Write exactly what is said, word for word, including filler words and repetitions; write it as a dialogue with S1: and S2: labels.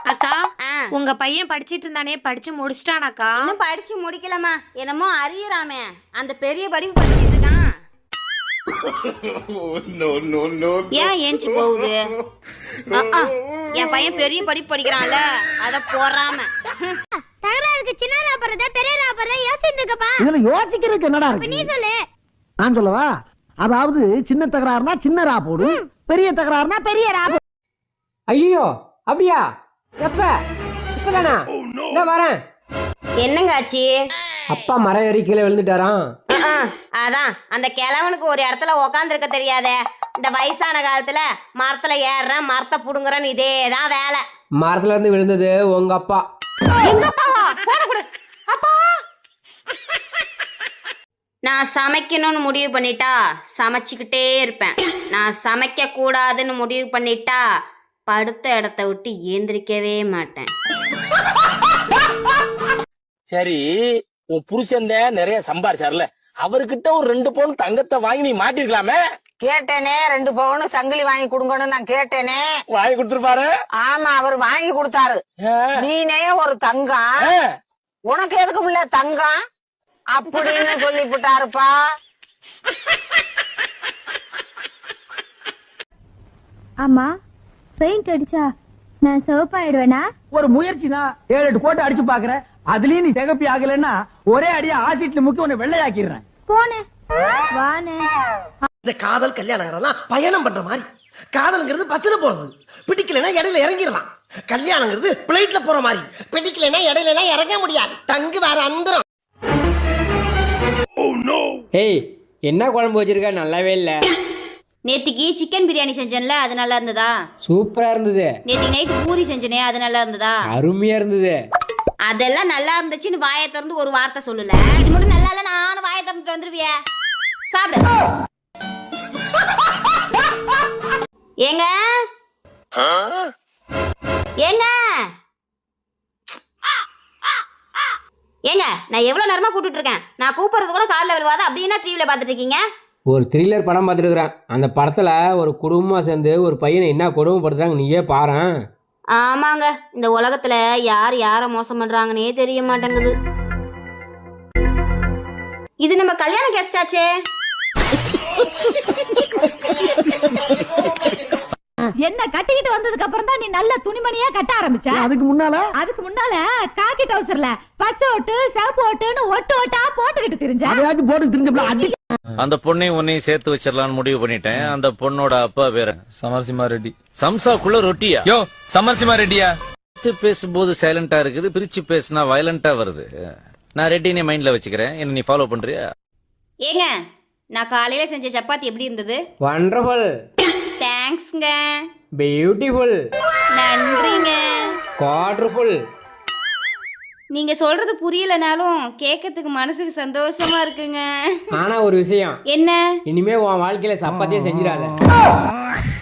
S1: அக்கா உங்க பையன் படிச்சிட்டு இருந்தானே படிச்சு முடிச்சிட்டானாக்கா?
S2: இன்னும் படிச்சு முடிக்கலமா, என்னமோ அறியறாமே, அந்த பெரிய படிப்பு படிச்சிட்டு இருக்கான். ஏன் ஏஞ்சி போகுது? என் பையன் பெரிய படிப்பு படிக்கிறான்ல, அத போறாம
S3: தகராறுக்கு சின்ன ராப்பறத பெரிய ராப்பறத யோசிச்சிட்டு இருக்கப்பா.
S4: இதுல யோசிக்கிறதுக்கு என்னடா இருக்கு?
S3: நீ சொல்லு.
S4: நான் சொல்லவா? அதாவது சின்ன தகராறுனா சின்ன ரா போடு, பெரிய தகராறுனா பெரிய ரா போடு.
S5: ஐயோ அப்படியா? எப்ப? இப்பதானா? இந்த வரேன்.
S2: என்னங்க ஆச்சு?
S5: அப்பா மரம் ஏறி கீழே விழுந்துட்டாராம்.
S2: அதான் அந்த கிழவனுக்கு ஒரு இடத்துல உக்காந்து இருக்க தெரியாதே. இந்த வயசான காலத்துல மரத்துல ஏறுறேன் மரத்தை புடுங்குறேன்னு இதேதான் வேலை.
S5: மரத்துல இருந்து விழுந்தது உங்க அப்பா.
S2: நான் சமைக்கணும்னு முடிவு பண்ணிட்டா சமைச்சுக்கிட்டே இருப்பேன். நான் சமைக்க கூடாதுன்னு முடிவு பண்ணிட்டா படுத்த இடத்த விட்டு ஏந்திரிக்கவே மாட்டேன்.
S6: சரி, உன் புருஷன் நிறைய சம்பாரிச்சார்ல, அவர்கிட்ட ஒரு ரெண்டு பவுன் தங்கத்தை வாங்கி நீ மாட்டிருக்கலாமே.
S7: கேட்டேனே, ரெண்டு பவுன் சங்கிலி வாங்கி கொடுங்கன்னு நான் கேட்டேனே.
S6: வாங்கி கொடுத்துருப்பாரு.
S7: ஆமா, அவர் வாங்கி கொடுத்தாரு. நீனே ஒரு தங்கம், உனக்கு எதுக்கு உள்ள தங்கம் அப்படின்னு சொல்லிவிட்டாருப்பா.
S3: ஆமா, பெயிண்ட் அடிச்சா நான் சிவப்பாயிடுவேனா?
S4: ஒரு முயற்சி தான், ஏழு எட்டு கோட்டை அடிச்சு பாக்குறேன். அதுலயும் நீ திகப்பி ஆகலன்னா ஒரே அடியா ஆசிட்ல முக்கி உன்னை வெள்ளையாக்கிடுறேன்.
S3: போனே வானே.
S8: இந்த காதல் கல்யாணங்கிறதெல்லாம் பயணம் பண்ற மாதிரி. காதல்ங்கிறது பஸ்ல போறது, பிடிக்கலன்னா இடையில இறங்கிடலாம். கல்யாணங்கிறது பிளைட்ல போற மாதிரி, பிடிக்கலன்னா இடையில எல்லாம் இறங்க முடியாது. தங்கு வேற அந்தரம்.
S5: ஏய், என்ன குழம்பு வச்சிருக்க? நல்லாவே இல்ல.
S2: நேத்திக்கு சிக்கன் பிரியாணி செஞ்சேன்ல, அது நல்லா இருந்ததா?
S5: சூப்பரா இருந்தது.
S2: நேத்திக்கு நைட்டு பூரி செஞ்சனே, அது நல்லா இருந்ததா?
S5: அருமையா இருந்தது.
S2: அதெல்லாம் நல்லா இருந்துச்சுன்னு வாயை திறந்து ஒரு வார்த்தை சொல்லல. இது மட்டும் நல்லா இல்ல, நானும் வாயை திறந்துட்டு வந்துருவிய. சாப்பிடு. ஏங்க ஏங்க ஏங்க நான் எவ்வளவு நேரமா கூப்பிட்டு இருக்கேன். நான் கூப்பிடுறது கூட காலில் விழுவாத. அப்படின்னா டிவில பாத்துட்டு இருக்கீங்க.
S5: ஒரு த்ரில்லர் படம் பார்த்துருக்குறேன். அந்த படத்துல ஒரு குடும்பமா சேர்ந்து ஒரு பையனை என்ன கொடுமைப்படுத்துறாங்க நீயே பாரேன்.
S2: ஆமாங்க, இந்த உலகத்துல யார் யார மோசம் பண்றாங்கன்னே தெரிய மாட்டேங்குது. இது நம்ம கல்யாண கெஸ்ட் ஆச்சே.
S9: என்ன கட்டிக்கிட்டு வந்ததுக்கு அப்புறம் தான் நீ நல்ல துணிமணியா கட்ட ஆரம்பிச்ச.
S4: அதுக்கு முன்னால
S9: அதுக்கு முன்னால காக்கி டவுசர்ல பச்சை ஓட்டு சிவப்பு ஓட்டுன்னு ஒட்டு ஓட்டா போட்டுக்கிட்டு தெரிஞ்ச.
S4: அதையாச்சும் போட்டு தெரிஞ்சு
S10: அந்த பொண்ணையும் உன்னையும் சேர்த்து வச்சிடலாம்னு முடிவு பண்ணிட்டேன். அந்த பொண்ணோட அப்பா பேரு சமரசிம்மா ரெட்டி. சம்சாக்குள்ள ரொட்டியா? யோ, சமரசிம்மா ரெட்டியா? பேசும்போது சைலண்டா இருக்குது, பிரிச்சு பேசினா வயலண்டா வருது. நான் ரெட்டினே மைண்ட்ல வச்சுக்கிறேன். என்ன நீ ஃபாலோ பண்றியா?
S2: ஏங்க, நான் காலையில செஞ்ச சப்பாத்தி எப்படி இருந்தது?
S5: வண்டர்ஃபுல்.
S2: தேங்க்ஸ்ங்க.
S5: பியூட்டிஃபுல்.
S2: நன்றிங்க.
S5: குவாட்ரஃபுல்.
S2: நீங்க சொல்றது புரியலனாலும் கேட்கறதுக்கு மனசுக்கு சந்தோஷமா இருக்குங்க.
S5: ஆனா ஒரு விஷயம்.
S2: என்ன?
S5: இனிமே உன் வாழ்க்கையில சப்பாத்தியே செஞ்சிடாத.